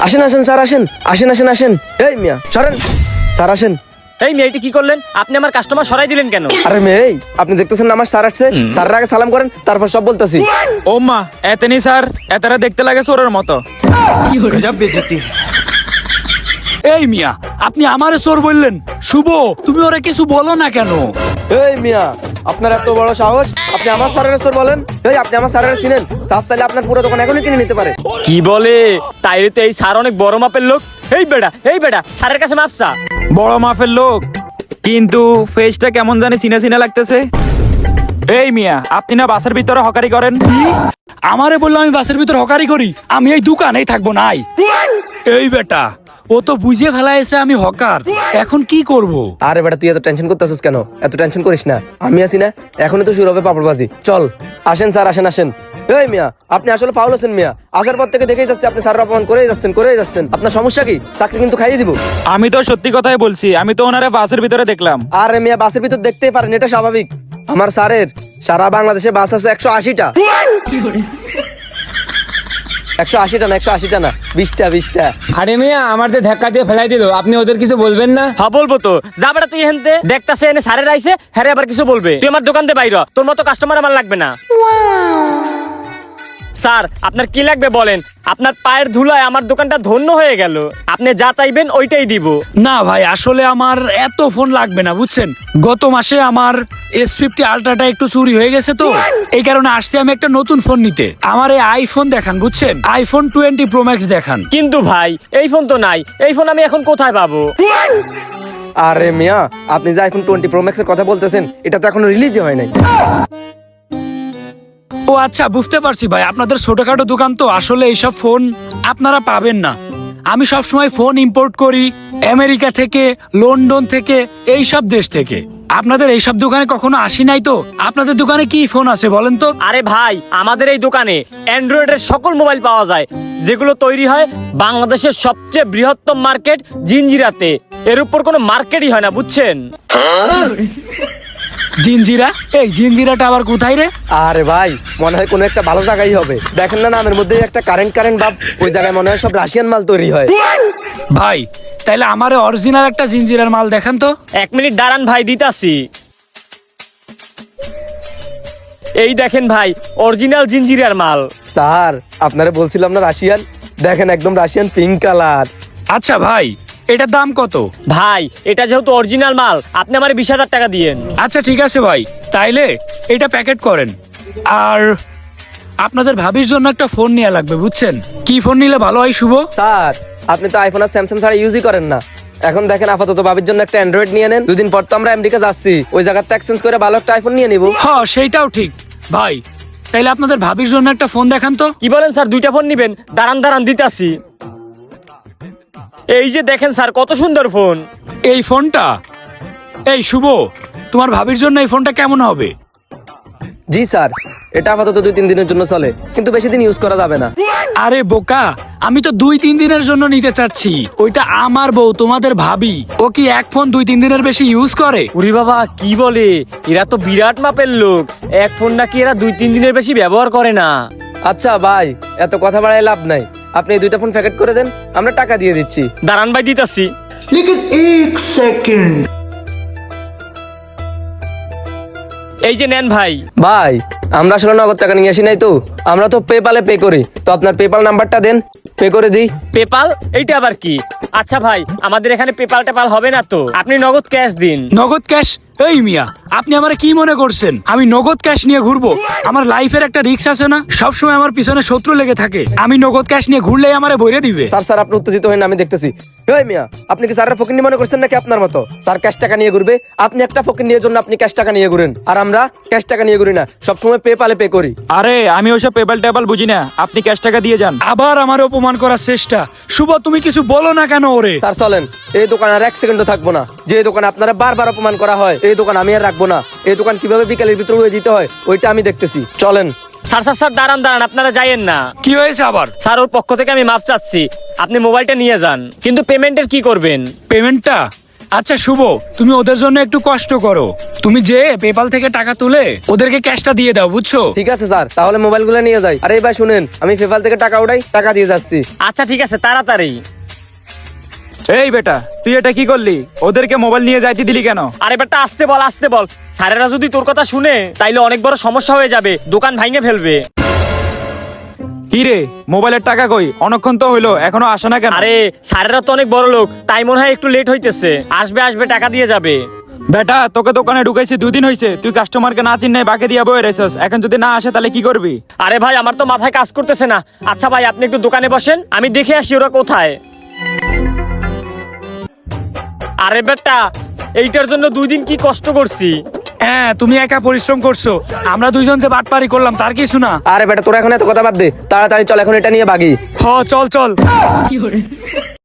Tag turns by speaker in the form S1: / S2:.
S1: আসেন আসেন স্যার আসেন আসেন আসেন আসেন। এই মিয়া সরেন স্যার আসেন।
S2: এই মেয়েটি কি করলেন? আপনি আমার কাস্টমার সরাই দিলেন কেন?
S1: আরে মেয়ে এই, আপনি দেখতেছেন না আমার স্যার আসছে, স্যারের আগে সালাম করেন তারপর সব বলতেছি।
S3: ও মা, এতনি স্যার, এতারা দেখতে লাগে চোরের মতো।
S4: এই মিয়া, আপনি আমারে চোর বললেন? শুভ, তুমি ওরা কিছু বলো না কেন?
S1: এই মিয়া আপনার এত বড় সাহস, আপনি আমার স্যারের স্যার বলেন? এই আপনি আমার স্যারের চিনেন? স্যার চাইলে আপনার পুরো দোকান এখনই কিনে নিতে পারে।
S2: কি বলে? তাইলে তো এই স্যার অনেক বড় মাপের লোক। এই বেটা স্যারের কাছে মাপসা।
S3: বড় মাফের লোক, কিন্তু ফেসটা কেমন জানি চিনা চিনা লাগতেছে। এই মিয়া, আপনি না বাসের ভিতরে হকারি করেন?
S4: আমারে বললো আমি বাসের ভিতর হকারি করি? আমি এই দোকানেই থাকবো নাই। এই বেটা, ও তো বুঝে ফেলাইছে আমি হকার, এখন কি করব?
S1: আরে বেটা তুই এত টেনশন করতেছিস কেন? এত টেনশন করিস না, আমি আছি না, এখনই তো শুরু হবে পাপড়বাজি। চল আসেন স্যার আসেন আসেন। এই মিয়া আপনি আসলে ফাউল আছেন মিয়া, আসার পর থেকে দেখেই যাচ্ছে আপনি স্যারের অপমান করেই যাচ্ছেন। আপনার সমস্যা কি? চাকরি কিন্তু খাইয়ে দিব।
S3: আমি তো সত্যি কথাই বলছি, আমি তো ওনারে বাসের ভিতরে দেখলাম।
S1: আরে মিয়া বাসের ভিতর দেখতেই পারেন, এটা স্বাভাবিক। আমার স্যারের সারা বাংলাদেশে বাস আছে 180টা। 180টা না 180টা না 20টা।
S5: আরে মিয়া আমাদের ধাক্কা দিয়ে ফেলাই দিল, আপনি ওদের কিছু বলবেন না?
S2: হ্যাঁ বলবো তো। যা বেটা তুই হেনতে দেখতাছে এনে স্যারের আইছে, হ্যাঁ আবার কিছু বলবে? তুই আমার দোকান দিয়ে বাইর হ, তোর মতো কাস্টমার আমার লাগবে না। স্যার আপনার কি লাগবে বলেন? আপনার পায়ের ধুলায় আমার দোকানটা ধন্য হয়ে গেল। আপনি যা চাইবেন ওইটাই দিব।
S4: না ভাই, আসলে আমার এত ফোন লাগবে না, বুঝছেন? গত মাসে আমার S50 আলট্রাটা একটু চুরি হয়ে গেছে, তো এই কারণে আসছি আমি একটা নতুন ফোন নিতে। আমার এই আইফোন দেখান, বুঝছেন? আইফোন 20 Pro Max দেখান।
S2: কিন্তু ভাই এই ফোন তো নাই, এই ফোন আমি এখন কোথায় পাবো?
S1: আরে মিয়া আপনি যে আইফোন 20 Pro Max এর কথা বলতেছেন, এটা তো এখনো রিলিজই হয় নাই।
S4: ও আচ্ছা, বুঝতে পারছি ভাই, আপনাদের ছোটখাটো দোকান তো, আসলে এইসব ফোন আপনারা পাবেন না। আমি সবসময় ফোন ইম্পোর্ট করি আমেরিকা থেকে, লন্ডন থেকে, এইসব দেশ থেকে। আপনাদের এইসব দোকানে কখনো আসি নাই তো। আপনাদের দোকানে কি ফোন আছে বলেন তো?
S2: আরে ভাই আমাদের এই দোকানে অ্যান্ড্রয়েডের সকল মোবাইল পাওয়া যায়, যেগুলো তৈরি হয় বাংলাদেশের সবচেয়ে বৃহত্তম মার্কেট জিঞ্জিরাতে। এর উপর কোনো মার্কেটই হয় না, বুঝছেন?
S4: জিঞ্জিরা? এই জিঞ্জিরাটা আবার কোথায় রে?
S1: আরে ভাই মনে হয় কোনো একটা ভালো জায়গায় হবে, দেখেন না নামের মধ্যে একটা কারেন্ট ভাব, ওই জায়গায় মনে হয় সব রাশিয়ান মাল তৈরি হয়।
S4: ভাই তাইলে আমারে অরিজিনাল একটা জিঞ্জিরার মাল দেখান তো।
S2: 1 মিনিট দাঁড়ান ভাই, দিতাছি। এই দেখেন ভাই, অরিজিনাল জিঞ্জিরার মাল।
S1: স্যার আপনারা বলছিলাম না রাশিয়ান, দেখেন একদম রাশিয়ান পিঙ্ক কালার।
S4: আচ্ছা ভাই, এটার দাম কত?
S2: ভাই এটা যেহেতু অরিজিনাল মাল, আপনি আমার 20,000 টাকা দিয়েন।
S4: আচ্ছা ঠিক আছে ভাই, তাইলে এটা প্যাকেট করেন। আর আপনাদের ভাবির জন্য একটা ফোন নেওয়া লাগবে, বুঝছেন? কি ফোন নিলে ভালো হয় শুভ?
S1: স্যার আপনি তো আইফোন আর স্যামসাং ছাড়া ইউজই করেন না, এখন দেখেন আপাতত ভাবির জন্য একটা অ্যান্ড্রয়েড নিয়ে নেন। 2 দিন পর তো আমরা আমেরিকা যাচ্ছি, ওই জায়গাতে এক্সচেঞ্জ করে ভালো একটা আইফোন নিয়ে নিব।
S4: হ্যাঁ সেইটাও ঠিক ভাই, তাইলে আপনাদের ভাবির জন্য একটা ফোন দেখান তো।
S2: কি বলেন স্যার, 2টা ফোন নিবেন? দাঁড়ান দিতাছি। এই যে দেখেন স্যার, কত সুন্দর ফোন।
S4: এই ফোনটা? এই শুভ, তোমার ভাবির জন্য এই ফোনটা কেমন হবে?
S1: জি স্যার, এটা আপাতত 2-3 দিনের জন্য চলে, কিন্তু বেশি দিন ইউজ করা যাবে না।
S4: আরে বোকা, আমি তো 2-3 দিনের জন্য নিতে চাচ্ছি। ওইটা আমার বউ, তোমাদের ভাবি। ও কি এক ফোন 2-3 দিনের বেশি ইউজ করে?
S2: উরি বাবা কি বলে, এরা তো বিরাট মাপের লোক। এক ফোন নাকি এরা 2-3 দিনের বেশি ব্যবহার করে না।
S1: আচ্ছা ভাই এত কথা বাড়ায় লাভ নাই, আপনি এই 2টা ফোন প্যাকেট করে দেন, আমরা টাকা দিয়ে দিচ্ছি।
S2: দাঁড়ান ভাই দিতাছি। এই যে নেন ভাই।
S1: ভাই আমরা আসলে নগদ টাকা নিয়ে আসি নাই তো, আমরা তো পেপালে পে করি, তো আপনার পেপাল নাম্বারটা দেন, পে করে দিই।
S2: পেপাল? এইটা আবার কি? আচ্ছা ভাই আমাদের এখানে পেপাল টেপাল হবে না তো, আপনি নগদ ক্যাশ দিন।
S4: নগদ ক্যাশ? এই মিয়া, আপনি আমারে কি মনে করছেন আমি নগদ ক্যাশ নিয়ে ঘুরবো? আমার লাইফের একটা রিস্ক আছে না? সবসময় আমার পিছনে শত্রু লেগে থাকে, আমি নগদ ক্যাশ নিয়ে ঘুরলেই আমারে বইরে দিবে।
S1: স্যার আপনি উত্তেজিত হন না, আমি দেখতেছি। এই মিয়া আপনি কি স্যারের ফকিন্নি মনে করছেন নাকি আপনার মতো? স্যার ক্যাশ টাকা নিয়ে ঘুরবে, আপনি একটা ফকিন্নির জন্য আপনি ক্যাশ টাকা নিয়ে ঘুরেন, আর আমরা ক্যাশ টাকা নিয়ে ঘুরি না, সবসময় পেপালে পে করি।
S3: আরে আমি ওইসব পেপাল টেপাল বুঝি না, আপনি ক্যাশ টাকা দিয়ে যান।
S4: আবার আমার অপমান করার চেষ্টা। শুভ, তুমি কিছু বলো না কেন ওরে?
S1: স্যার চলেন, এই দোকান আর 1 সেকেন্ডও থাকবো না। যে দোকানে আপনারা বারবার অপমান করা হয়, এই দোকান আমি আর রাখবো না। এই দোকান কিভাবে বিকালের ভিতরে উড়িয়ে দিতে হয় ওইটা আমি দেখতেছি, চলেন।
S2: স্যার দাঁড়ান আপনারা যাইয়েন না।
S4: কি হয়েছে আবার?
S2: স্যার ওর পক্ষ থেকে আমি মাপ চাচ্ছি, আপনি মোবাইলটা নিয়ে যান, কিন্তু পেমেন্টের কি করবেন?
S4: পেমেন্টটা আচ্ছা শুভ, তুমি ওদের জন্য একটু কষ্ট করো। তুমি যে পেপাল থেকে টাকা তুলে ওদেরকে ক্যাশটা দিয়ে দাও, বুঝছো?
S1: ঠিক আছে স্যার, তাহলে মোবাইলগুলো নিয়ে যাই। আরে ভাই শুনেন, আমি পেপাল থেকে টাকা উঠাই, টাকা দিয়ে যাচ্ছি।
S2: আচ্ছা ঠিক আছে, তাড়াতাড়ি।
S3: এই বেটা, তুই এটা কি করলি? ওদেরকে মোবাইল নিয়ে যাইতে দিলি কেন?
S2: আরে বেটা আসতে বল, আসতে বল। স্যারেরা যদি তোর কথা শুনে তাইলে অনেক বড় সমস্যা হয়ে যাবে, দোকান ভাঙে ফেলবে।
S3: কি রে, মোবাইলের টাকা কই? অনেকক্ষণ তো হইলো, এখনো আসে না কেন?
S2: আরে স্যারেরা তো অনেক বড় লোক, তাই মনে হয় একটু লেট হইতেছে। আসবে আসবে, টাকা দিয়ে যাবে।
S3: বেটা, তোকে দোকানে ঢুকাইছি 2 দিন হইছে, তুই কাস্টমারকে না চিন্নাই বাকি দিয়া বয়ে রেছিস। এখন যদি না আসে তাহলে কি করবি?
S2: আরে ভাই, আমার তো মাথায় কাজ করতেছে না। আচ্ছা ভাই, আপনি একটু দোকানে বসেন, আমি দেখে আসি ওরা কোথায়। আরে বেটা, এইটার জন্য 2 দিন কি কষ্ট করছি।
S4: হ্যাঁ, তুমি একা পরিশ্রম করছো, আমরা দুইজন যে বাটপারি করলাম তার কিছু না।
S1: আরে বেটা, তোরা এখন এত কথা বাদ দে, তাড়াতাড়ি চল, এখন এটা নিয়ে ভাগি।
S4: হ, চল চল।